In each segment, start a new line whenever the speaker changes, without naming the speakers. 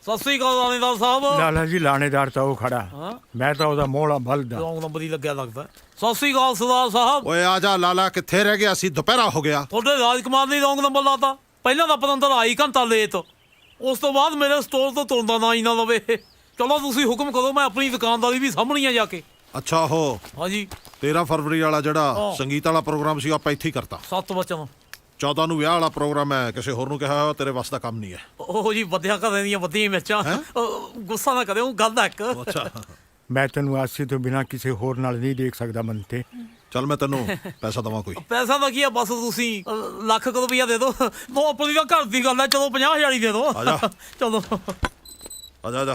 ਸਤਿ ਸ੍ਰੀ ਅਕਾਲ ਲਾਣੇਦਾਰ ਸਾਹਿਬ।
ਲਾਲਾ ਜੀ ਲਾਣੇਦਾਰ ਤਾਂ ਉਹ ਖੜਾ, ਮੈਂ ਤਾਂ ਉਹਦਾ ਮੋਹਲਾ ਬਲਦਾ।
ਰੌਂਗ ਨੰਬਰ ਹੀ ਲੱਗਿਆ ਲੱਗਦਾ। ਸਤਿ ਸ੍ਰੀ ਅਕਾਲ ਸਰਦਾਰ ਸਾਹਿਬ।
ਓਏ ਆ ਜਾ ਲਾਲਾ, ਕਿੱਥੇ ਰਹਿ ਗਿਆ ਸੀ? ਦੁਪਹਿਰਾ ਹੋ ਗਿਆ।
ਤੁਹਾਡੇ ਰਾਜਕੁਮਾਰ ਨੇ ਰੌਂਗ ਨੰਬਰ ਲਾਤਾ। ਪਹਿਲਾਂ ਤਾਂ ਪਤੰਦਰ ਆਈ ਘੰਟਾ ਲੇਟ, ਉਸ ਤੋਂ ਬਾਅਦ ਮੇਰੇ ਸਟੋਰ ਤੋਂ ਤੁਰਦਾ ਨਾ ਹੀ ਨਾ ਲਵੇ। ਚਲੋ ਤੁਸੀਂ ਹੁਕਮ ਕਰੋ, ਮੈਂ ਆਪਣੀ ਦੁਕਾਨਦਾਰੀ ਵੀ ਸਾਂਭਣੀ ਆ ਜਾ ਕੇ।
ਅੱਛਾ ਹੋ
ਹਾਂਜੀ
13 ਫਰਵਰੀ ਵਾਲਾ ਜਿਹੜਾ ਸੰਗੀਤ ਵਾਲਾ ਪ੍ਰੋਗਰਾਮ ਸੀ ਆਪਾਂ ਇੱਥੇ ਹੀ ਕਰਤਾ।
7 ਵਚਨ
14 ਨੂੰ ਵਿਆਹ ਵਾਲਾ ਪ੍ਰੋਗਰਾਮ ਹੈ, ਕਿਸੇ ਹੋਰ ਨੂੰ ਕਿਹਾ ਤੇਰੇ ਵੱਸ ਦਾ ਕੰਮ ਨਹੀਂ ਹੈ।
ਉਹ ਜੀ ਵਧੀਆ ਘਰਾਂ ਦੀਆਂ ਵਧੀਆਂ ਮਿਰਚਾਂ। ਗੁੱਸਾ ਨਾ ਕਰਿਓ, ਗੱਲ ਇੱਕ।
ਅੱਛਾ
ਮੈਂ ਤੈਨੂੰ ਆਸੀ ਤੋਂ ਬਿਨਾਂ ਕਿਸੇ ਹੋਰ ਨਾਲ ਨਹੀਂ ਦੇਖ ਸਕਦਾ ਮੰਤੇ।
ਚੱਲ ਮੈਂ ਤੈਨੂੰ ਪੈਸਾ ਦੇਵਾਂ ਕੋਈ?
ਪੈਸਾ ਤਾਂ ਕੀ ਆ, ਬਸ ਤੁਸੀਂ ਲੱਖ ਕੁ ਰੁਪਈਆ ਦੇ ਦਿਓ। ਉਹ ਆਪਣੀ ਤਾਂ ਘਰ ਦੀ ਗੱਲ ਹੈ। ਚਲੋ 50,000 ਹੀ ਦੇ ਦਿਓ।
ਆ ਜਾ।
ਚਲੋ
ਆ ਜਾ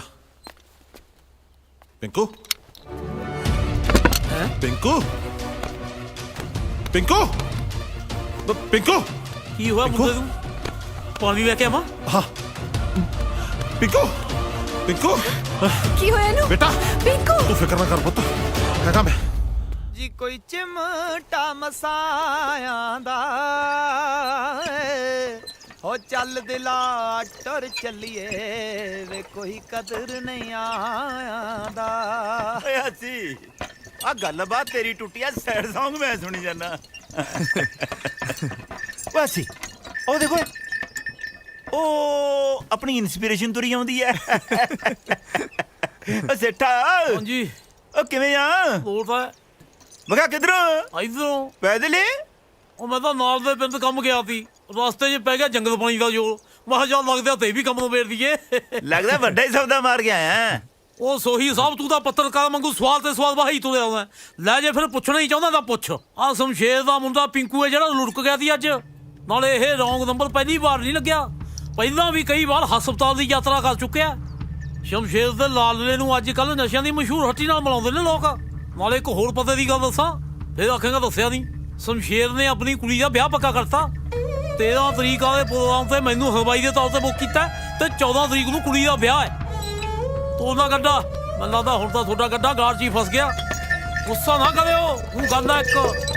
ਪਿੰਕੂ। ਪਿੰਕੂ ਪਿੰਕੂ ਪਿੰਕੂ
ਕੀ ਹੋਇਆ ਮੁੰਡੇ ਨੂੰ? ਪਾਣੀ ਲੈ ਕੇ ਆਵਾਂ?
ਹਾਂ ਪਿੰਕੂ ਪਿੰਕੂ
ਕੀ ਹੋਇਆ ਇਹਨੂੰ?
ਬੇਟਾ
ਪਿੰਕੂ
ਤੂੰ ਫਿਕਰ ਨਾ ਕਰ ਪੁੱਤ, ਹੈਗਾ ਮੈਂ।
ਜੀ ਕੋਈ ਚਿਮਟਾ ਮਸਾਇਆ ਦਾ ਹੋ ਚੱਲ ਦਿਲਾ ਟਰ ਚੱਲੀਏ ਵੇ ਕੋਈ ਕਦਰ ਨਹੀਂ ਆਇਆਂਦਾ।
ਓਏ ਹੱਸੀ ਆ ਗੱਲਬਾਤ ਤੇਰੀ ਟੁੱਟੀ ਆ, ਸੈਡ Song ਮੈਂ ਸੁਣੀ ਜਾਂਦਾ। ਓਏ ਹੱਸੀ ਉਹ ਦੇਖੋ, ਉਹ ਆਪਣੀ ਇਨਸਪੀਰੇਸ਼ਨ ਤੁਰੀ ਆਉਂਦੀ ਐ। ਓ ਸੇਠਾ
ਹਾਂਜੀ
ਉਹ ਕਿਵੇਂ ਆ?
ਹੋਰ ਤਾਂ
ਮੈਂ ਕਿਹਾ ਕਿੱਧਰੋਂ?
ਇਧਰੋਂ।
ਪੈਦਲ ਹੀ?
ਉਹ ਮੈਂ ਤਾਂ ਨਾਲ ਦੇ ਪਿੰਡ ਕੰਮ ਗਿਆ ਸੀ, ਰਸਤੇ 'ਚ ਪੈ ਗਿਆ ਜੰਗਲ ਪਾਣੀ ਦਾ ਜੋਰ। ਮੈਂ ਕਿਹਾ ਚੱਲ ਲੱਗਦਾ ਤੇ ਵੀ ਕੰਮ ਨੂੰ ਵੇੜ ਦਈਏ।
ਲੱਗਦਾ ਵੱਡਾ ਹੀ ਸੌਦਾ ਮਾਰ ਗਿਆ ਆ।
ਉਹ ਸੋਹੀ ਸਾਹਿਬ, ਤੂੰ ਤਾਂ ਪੱਤਰਕਾਰ ਵਾਂਗੂ ਸਵਾਲ ਤੇ ਸਵਾਲ ਵਾਹੀ ਤੁਰਿਆ ਆਉਂਦਾ। ਲੈ ਜੇ ਫਿਰ ਪੁੱਛਣਾ ਹੀ ਚਾਹੁੰਦਾ ਤਾਂ ਪੁੱਛ। ਆਹ ਸ਼ਮਸ਼ੇਰ ਦਾ ਮੁੰਡਾ ਪਿੰਕੂ ਹੈ ਜਿਹੜਾ ਲੁੜਕ ਗਿਆ ਸੀ ਅੱਜ। ਨਾਲੇ ਇਹ ਰੌਂਗ ਨੰਬਰ ਪਹਿਲੀ ਵਾਰ ਨਹੀਂ ਲੱਗਿਆ, ਪਹਿਲਾਂ ਵੀ ਕਈ ਵਾਰ ਹਸਪਤਾਲ ਦੀ ਯਾਤਰਾ ਕਰ ਚੁੱਕਿਆ। ਸ਼ਮਸ਼ੇਰ ਦੇ ਲਾਲਲੇ ਨੂੰ ਅੱਜ ਕੱਲ੍ਹ ਨਸ਼ਿਆਂ ਦੀ ਮਸ਼ਹੂਰ ਹੱਟੀ ਨਾਲ ਮਿਲਾਉਂਦੇ ਨੇ ਲੋਕ। ਨਾਲੇ ਇੱਕ ਹੋਰ ਪਤੇ ਦੀ ਗੱਲ ਦੱਸਾਂ, ਫਿਰ ਆਖੇਗਾ ਦੱਸਿਆ ਨਹੀਂ। ਸ਼ਮਸ਼ੇਰ ਨੇ ਆਪਣੀ ਕੁੜੀ ਦਾ ਵਿਆਹ ਪੱਕਾ ਕਰਤਾ। 13 ਤਰੀਕ ਵਾਲੇ ਪ੍ਰੋਗਰਾਮ ਤੇ ਮੈਨੂੰ ਹਲਵਾਈ ਦੇ ਤੌਰ ਤੇ ਬੁੱਕ ਕੀਤਾ ਤੇ 14 ਤਰੀਕ ਨੂੰ ਕੁੜੀ ਦਾ ਵਿਆਹ ਹੈ। ਤੋਰਨਾ ਗੱਡਾ, ਮੈਨੂੰ ਲੱਗਦਾ ਹੁਣ ਤਾਂ ਤੁਹਾਡਾ ਗੱਡਾ ਗਾਰ 'ਚ ਹੀ ਫਸ ਗਿਆ। ਗੁੱਸਾ ਨਾ ਕਰਿਓ, ਉਹ ਗੱਲ ਹੈ ਇੱਕ।